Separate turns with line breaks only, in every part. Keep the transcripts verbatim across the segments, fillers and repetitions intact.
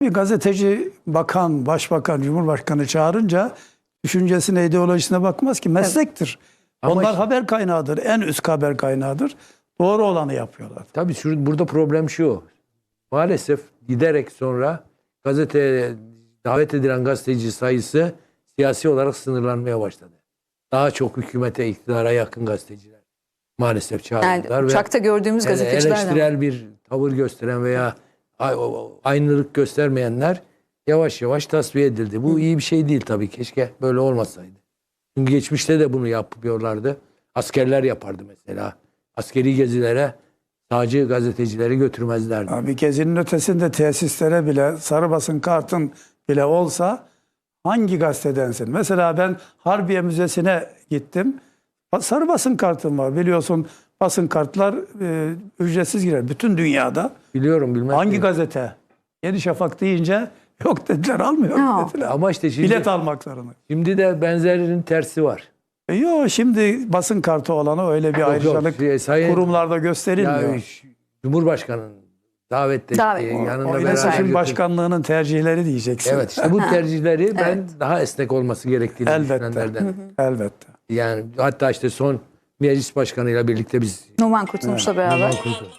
Bir gazeteci bakan, başbakan, cumhurbaşkanı çağırınca düşüncesine, ideolojisine bakmaz ki. Meslektir.
Ama
Onlar
işte-
haber kaynağıdır. En üst haber kaynağıdır. Doğru olanı yapıyorlar.
Tabii şu, burada problem şu. Maalesef giderek sonra gazeteye davet edilen gazeteci sayısı siyasi olarak sınırlanmaya başladı. Daha çok hükümete, iktidara yakın gazeteciler maalesef çağırdılar.
Yani uçakta gördüğümüz
ele-
gazeteciler de var.
eleştirel bir tavır gösteren veya a- o- aynılık göstermeyenler yavaş yavaş tasfiye edildi. Bu iyi bir şey değil tabii. Keşke böyle olmasaydı. Çünkü geçmişte de bunu yapıyorlardı. Askerler yapardı mesela. Askeri gezilere sadece gazetecileri götürmezlerdi.
Abi gezinin ötesinde tesislere bile sarı basın kartın bile olsa hangi gazetedensin? Mesela ben Harbiye Müzesi'ne gittim. Sarı basın kartım var. Biliyorsun basın kartlar e, ücretsiz girer. Bütün dünyada.
Biliyorum bilmem.
Hangi
değil.
gazete? Yeni Şafak deyince yok dediler, almıyor
No.
dediler.
Ama işte şimdi,
Bilet almak zorunda.
şimdi de benzerinin tersi var.
E yok, şimdi basın kartı olanı öyle bir
Yok,
ayrıcalık
yok. Sayın-
kurumlarda gösterilmiyor.
Ya, ş- Cumhurbaşkanı'nın davet
Davet.
ettiği,
O-
yanında
O
beraber
iletişim
götür-
başkanlığının tercihleri diyeceksin.
Evet işte bu tercihleri ben
Evet.
daha esnek olması gerektiğini
Elbette.
düşünenlerden.
Elbette.
Yani hatta işte son meclis başkanıyla birlikte biz
Numan Kurtulmuş'la beraber.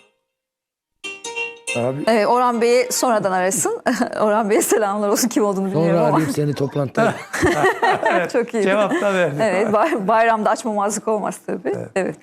Abi,
Evet, Orhan Bey'i sonradan arasın. Orhan Bey'e selamlar olsun, kim olduğunu bilmiyorum
sonra
ama.
arayıp seni toplantıda
Çok iyi.
cevap da verdi.
Evet, bay- bayramda açmamazlık olmaz tabii. Evet.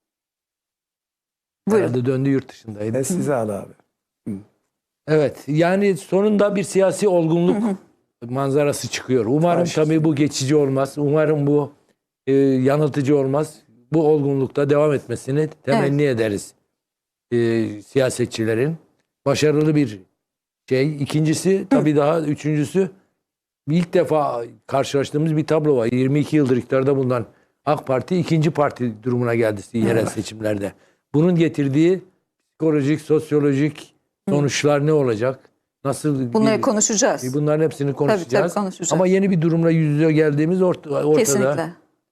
Buyurun.
herhalde döndü yurt dışındaydı.
E size al abi.
Evet yani sonunda bir siyasi olgunluk manzarası çıkıyor. Umarım
Karşısında.
tabii bu geçici olmaz. Umarım bu e, yanıltıcı olmaz. Bu olgunlukta devam etmesini temenni ederiz e, siyasetçilerin. Başarılı bir şey. İkincisi tabii daha üçüncüsü ilk defa karşılaştığımız bir tablo var. yirmi iki yıldır iktidarda bulunan AK Parti ikinci parti durumuna geldi yerel seçimlerde. Bunun getirdiği psikolojik, sosyolojik sonuçlar ne olacak? Nasıl
Bunları
bir-
konuşacağız.
Bunların hepsini konuşacağız.
konuşacağız.
Ama yeni bir durumla yüz yüze geldiğimiz ort- ortada.
Kesinlikle.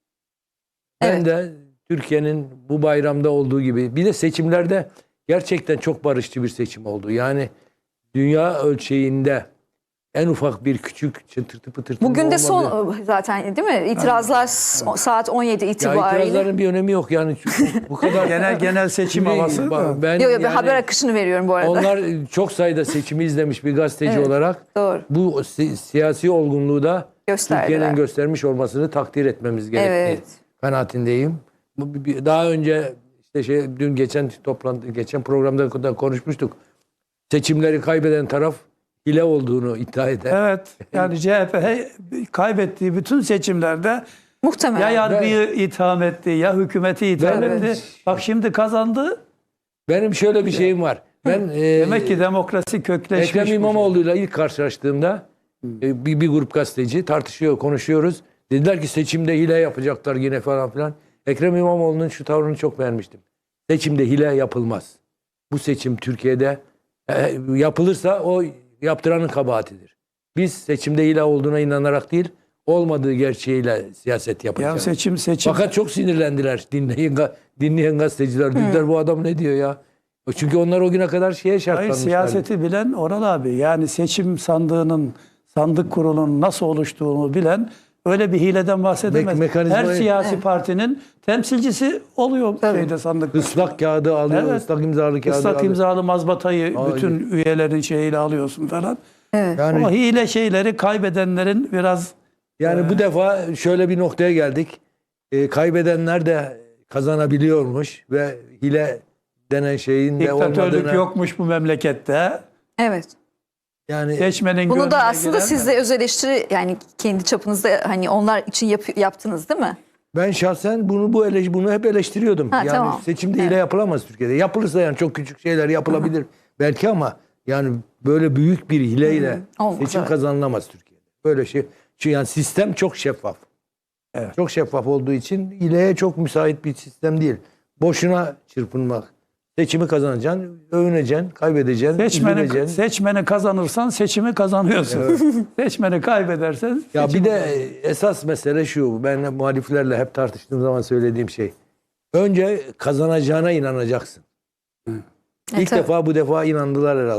Ben
Evet.
de Türkiye'nin bu bayramda olduğu gibi bir de seçimlerde gerçekten çok barışçı bir seçim oldu. Yani dünya ölçeğinde en ufak bir küçük çıtırtı pıtırtı
Bugün de
olmadı.
son zaten değil mi? İtirazlar s- saat on yedi
Ya
itibariyle.
itirazların bir önemi yok yani çünkü bu kadar
Genel genel seçim
Şimdi
havası
bak,
da.
ben
Yok yok, bir
yani
haber akışını veriyorum bu arada.
onlar çok sayıda seçimi izlemiş bir gazeteci
Evet,
olarak
doğru.
bu si- siyasi olgunluğu da
Gösterdiler.
Türkiye'nin göstermiş olmasını takdir etmemiz gerektiği
Evet.
kanaatindeyim. Bu bir- bir- daha önce işte şey dün geçen toplantı geçen programda da konuşmuştuk. Seçimleri kaybeden taraf hile olduğunu iddia eder.
Evet. Yani C H P he- kaybettiği bütün seçimlerde
Muhtemelen.
ya yargıyı itham etti, ya hükümeti itham
Evet.
etti. Bak şimdi kazandı.
Benim şöyle bir şeyim var. Ben e,
Demek ki demokrasi kökleşmiş.
Ekrem
bu şey.
İmamoğlu'yla ilk karşılaştığımda e, bir, bir grup gazeteci tartışıyor, konuşuyoruz. Dediler ki seçimde hile yapacaklar yine falan filan. Ekrem İmamoğlu'nun şu tavrını çok beğenmiştim. Seçimde hile yapılmaz. Bu seçim Türkiye'de e, yapılırsa o yaptıranın kabahatidir. Biz seçimde hile olduğuna inanarak değil, olmadığı gerçeğiyle siyaset
Ya
yapacağız.
seçim seçim.
Fakat çok sinirlendiler dinleyen, ga- dinleyen gazeteciler. Dediler bu adam ne diyor ya? Çünkü onlar o güne kadar şeye
Hayır,
şartlanmışlar.
siyaseti bilen Oral abi. Yani seçim sandığının, sandık kurulunun nasıl oluştuğunu bilen öyle bir hileden bahsedemez.
Me- mekanizmayı-
Her siyasi partinin temsilcisi oluyor şeyde, sandıkta.
Islak kağıdı alıyor,
Evet.
ıslak imzalı kağıdı
Islak
alıyor.
imzalı mazbatayı
Hayır.
bütün üyelerin şeyiyle alıyorsun falan.
Yani,
Ama hile şeyleri kaybedenlerin biraz
yani bu defa şöyle bir noktaya geldik. Ee, kaybedenler de kazanabiliyormuş ve hile denen şeyin de
diktatörlük
olmadığına.
yokmuş bu memlekette.
Evet.
Yani
Bunu
Seçmenin gönlüne
da aslında
giren-
siz de öz eleştiri, yani kendi çapınızda hani onlar için yap- yaptınız değil mi?
ben şahsen bunu bu eleş bunu hep eleştiriyordum.
Ha,
yani
tamam.
seçimde hile
Evet.
yapılamaz Türkiye'de. Yapılırsa yani çok küçük şeyler yapılabilir belki ama yani böyle büyük bir hileyle
Olmaz,
seçim
evet.
kazanılamaz Türkiye'de. Böyle şey. Çünkü yani sistem çok şeffaf.
Evet.
Çok şeffaf olduğu için hileye çok müsait bir sistem değil. Boşuna çırpınmak. Seçimi kazanacaksın, övüneceksin, kaybedeceksin,
Seçmeni,
üzüleceksin.
seçmeni kazanırsan seçimi kazanıyorsun. Seçmeni kaybedersen
Ya
seçimi-
bir de esas mesele şu. Ben muhaliflerle hep tartıştığım zaman söylediğim şey. Önce kazanacağına inanacaksın.
E,
İlk
tabii.
defa bu defa inandılar herhalde.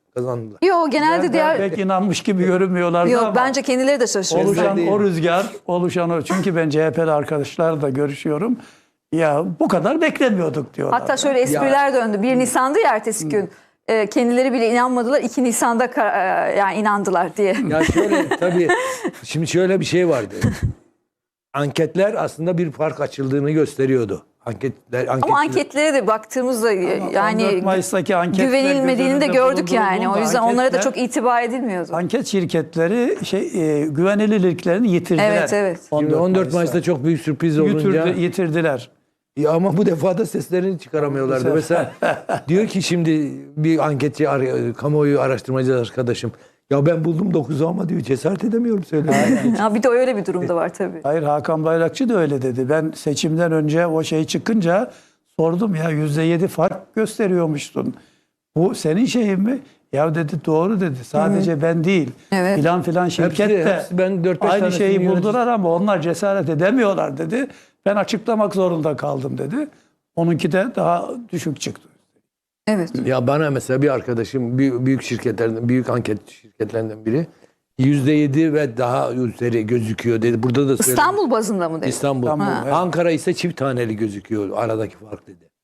kazandılar.
Yok genelde
Ben
diğer
pek inanmış gibi görünmüyorlardı
yok
ama
bence kendileri de şaşırıyor.
oluşan
değil.
o rüzgar, oluşan o. Çünkü ben C H P'li arkadaşlarla da görüşüyorum. Ya bu kadar beklemiyorduk diyorlar.
Hatta şöyle espriler döndü. bir Nisan'dı ya ertesi gün. E, kendileri bile inanmadılar. iki Nisan'da ka- e, yani inandılar diye.
Ya şöyle tabii şimdi şöyle bir şey vardı. Anketler aslında bir fark açıldığını gösteriyordu. Anketler,
Ama
anketçiler-
anketlere de baktığımızda e,
on
yani
dört Mayıs'taki anketler
güvenilmediğini de
göz önünde
gördük yani. O
bulundurulduğunda
yüzden onlara da
anketler-
çok itibar edilmiyordu.
Anket şirketleri şey e, güvenilirliklerini yitirdiler.
Evet, evet.
Şimdi on dört Mayıs'ta çok büyük sürpriz olunca
Yitirdi- yitirdiler.
ya ama bu defa da seslerini çıkaramıyorlardı.
Bu
Mesela diyor ki şimdi bir anketçi, ar- kamuoyu araştırmacı arkadaşım, ya ben buldum dokuzu ama diyor cesaret edemiyorum söylemeye.
Ha, bir de öyle bir durumda var tabii.
Hayır, Hakan Bayrakçı da öyle dedi. Ben seçimden önce o şey çıkınca sordum, ya yüzde yedi fark gösteriyormuşsun. Bu senin şeyin mi? Ya dedi doğru dedi. Sadece ben değil.
Evet.
Filan filan şirket
Hepsi-
de
hepsi ben dört beş
aynı
tanesini
şeyi
yönetici-
buldular ama onlar cesaret edemiyorlar dedi. Ben açıklamak zorunda kaldım dedi. Onunki de daha düşük çıktı.
Evet.
Ya bana mesela bir arkadaşım büyük, büyük şirketlerden, büyük anket şirketlerinden biri yüzde yedi ve daha üzeri gözüküyor dedi. Burada da söyledim.
İstanbul bazında mı dedi?
İstanbul.
İstanbul,
Ha.
evet.
Ankara ise çift taneli gözüküyor aradaki fark dedi.